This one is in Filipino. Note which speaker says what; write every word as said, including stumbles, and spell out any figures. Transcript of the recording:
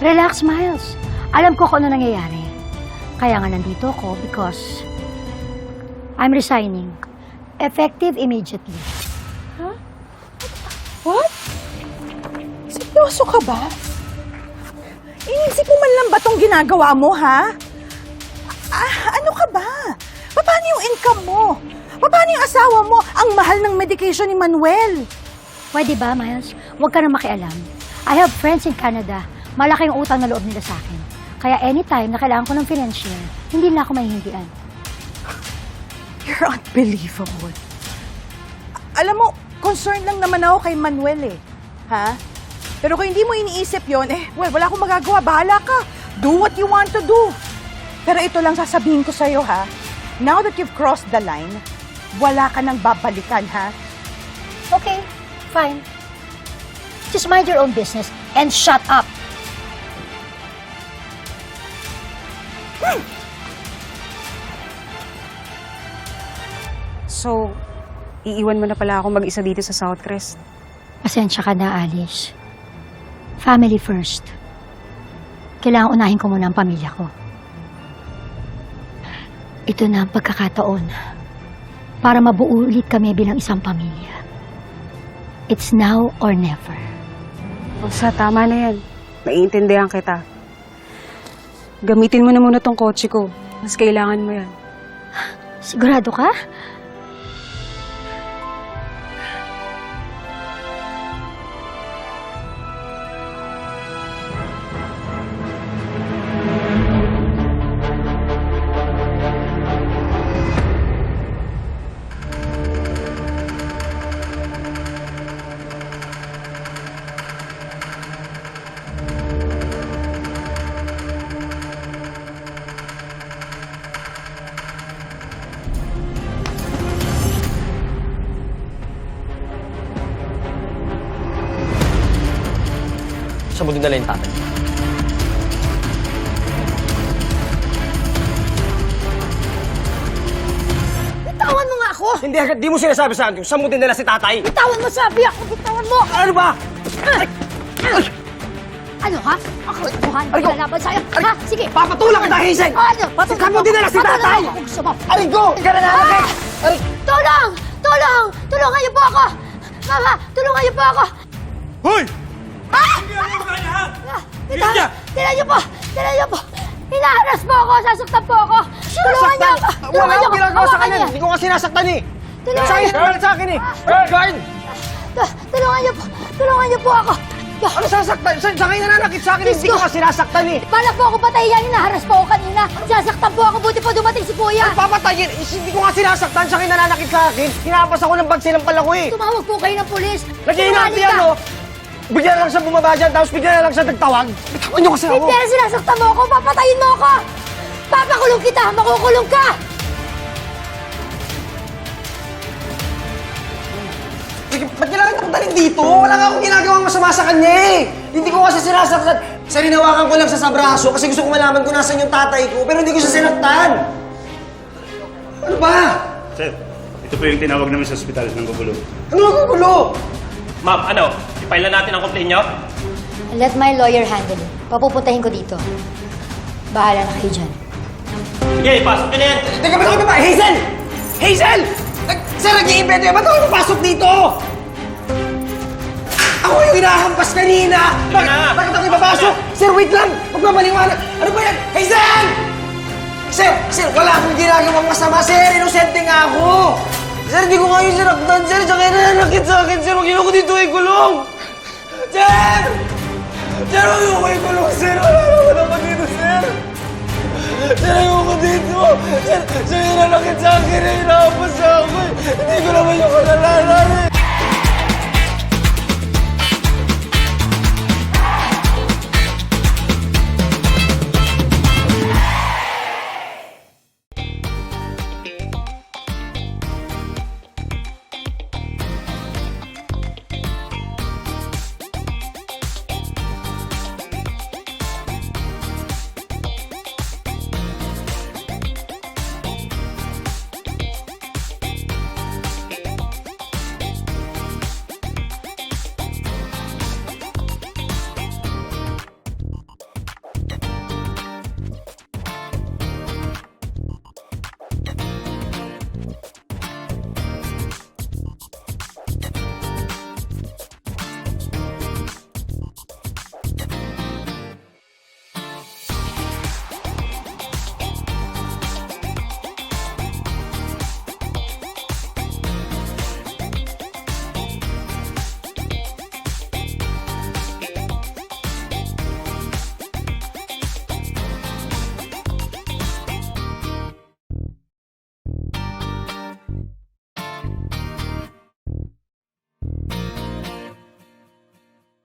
Speaker 1: Relax, Miles. Alam ko kung ano nangyayari. Kaya nga nandito ako because I'm resigning. Effective immediately.
Speaker 2: Huh? What? Seryoso ka ba? Inisip mo man lang ba itong ginagawa mo, ha? Ah, ano ka ba? Paano yung income mo? Paano yung asawa mo? Ang mahal ng medication ni Manuel.
Speaker 1: Pwede ba, Miles? Huwag ka na makialam. I have friends in Canada. Malaki yung utang na loob nila sa akin. Kaya anytime na kailangan ko ng financier, hindi na ako mahihindian.
Speaker 2: You're unbelievable. Alam mo, concerned lang naman ako kay Manuel eh. Ha? Pero kung hindi mo iniisip yon, eh, well, wala akong magagawa. Bahala ka. Do what you want to do. Pero ito lang sasabihin ko sa'yo, ha? Now that you've crossed the line, wala ka nang babalikan, ha?
Speaker 1: Okay, fine. Just mind your own business and shut up.
Speaker 3: So, iiwan mo na pala ako mag-isa dito sa Southcrest?
Speaker 1: Pasensya ka na, Alice. Family first. Kailangan unahin ko muna ang pamilya ko. Ito na ang pagkakataon para mabuo ulit kami bilang isang pamilya. It's now or never.
Speaker 3: Rosa, tama na yan. Naiintindihan kita. Gamitin mo na muna tong kotse ko. Mas kailangan mo yan.
Speaker 1: Sigurado ka?
Speaker 4: Siya mo dinala yung tatay.
Speaker 1: Bitawan mo nga ako!
Speaker 4: Hindi, di mo sinasabi sa akin kung saan mo dinala si tatay.
Speaker 1: Bitawan mo, sabi ako! Bitawan mo!
Speaker 4: Ano ba?
Speaker 1: Ano ka? Ako, buhan
Speaker 4: Aray ko!
Speaker 1: ko lalaban sa'yo. Ha? Sige!
Speaker 4: Papatulak kita, Hazel!
Speaker 1: Ano?
Speaker 4: Saan mo dinala si
Speaker 1: Patulong
Speaker 4: tatay?
Speaker 1: ako kung gusto mo.
Speaker 4: Aray ko! Hindi ka nananakit! Aray!
Speaker 1: Tulong! Tulong! Tulungan niyo po ako! Mama, tulungan niyo po ako!
Speaker 4: Hoy!
Speaker 1: Ah!
Speaker 4: Hindi ka nananakit, ha?
Speaker 1: Tinan, tinan niyo po! Tinan niyo po! Hinaharas po ako! Sasaktan po ako! Tulungan niyo ako!
Speaker 4: Wala
Speaker 1: Tulungan niyo
Speaker 4: akong
Speaker 1: ako!
Speaker 4: ginagawa sa
Speaker 1: Hawakan
Speaker 4: kanya.
Speaker 1: niyo.
Speaker 4: Hindi ko kasi nasaktan eh.
Speaker 1: Tulungan
Speaker 4: Sa akin,
Speaker 1: niyo.
Speaker 4: sa akin eh. Guard!
Speaker 1: Tu- Tulungan niyo po! Tulungan niyo po ako!
Speaker 4: Ano sasaktan? Sa, sa akin nananakit sa akin,
Speaker 1: Diyos
Speaker 4: hindi ko
Speaker 1: ko.
Speaker 4: kasi nasaktan eh.
Speaker 1: Para po ako patayin yan! Hinaharas po ako kanina! Sasaktan po ako! Buti po dumating si Kuya!
Speaker 4: Papatayin! Eh, Hindi ko nga sinasaktan, sa akin nananakit sa akin. Hinapas ako ng bag silang pala ko eh.
Speaker 1: Tumawag po kayo ng pulis!
Speaker 4: Nag-iinati
Speaker 1: Sinungaling
Speaker 4: yan,
Speaker 1: ka.
Speaker 4: no? Bigyan na lang siya bumaba dyan, tapos bigyan na lang siya nagtawag. Bitawan niyo kasi ako.
Speaker 1: Hindi na sinasaktan mo ako! Papatayin mo ako! Papakulong kita! Makukulong ka!
Speaker 4: Sige, ba't kailangan akong dalhin dito? Wala nga akong ginagawang masama sa kanya eh. Hindi ko kasi sinasaktan. Sarinawakan ko lang siya sa braso kasi gusto ko malaman kung nasan yung tatay ko, pero hindi ko siya sinaktan. Ano ba?
Speaker 5: Sir, ito po yung tinawag namin sa ospital ng Gugulo.
Speaker 4: Ano nagugulo?
Speaker 6: Ma'am, ano? I-file na natin ang complaint nyo?
Speaker 1: Let my lawyer handle it. Papupuntahin ko dito. Bahala na kayo dyan.
Speaker 6: Sige, ipasok nyo na yan.
Speaker 4: Teka, ba't ako ba? Hazel! Hazel! Nag- Sir, nag-iimbento yan. Ba't ako napasok dito? Ako yung hinahampas kanina! Bakit,
Speaker 6: na.
Speaker 4: bakit ako ipapasok? Sir, wait lang! Magmamaliwanag! Ano ba yan? Hazel! Sir, sir, wala akong ginagawang masama, sir. Inosente nga ako. Sir, hindi ko nga yung sinaktan, sir. Tsaka nananakit sa akin, sir. Huwag yun ako dito ikulong. Sir! Sir, huwag yun ako ikulong, sir. Wala naman naman dito, sir. Sir, ayoko dito. Sir, sir, nananakit sa akin. Hinahampas sa akin. Hindi ko naman yung kalalanan, eh.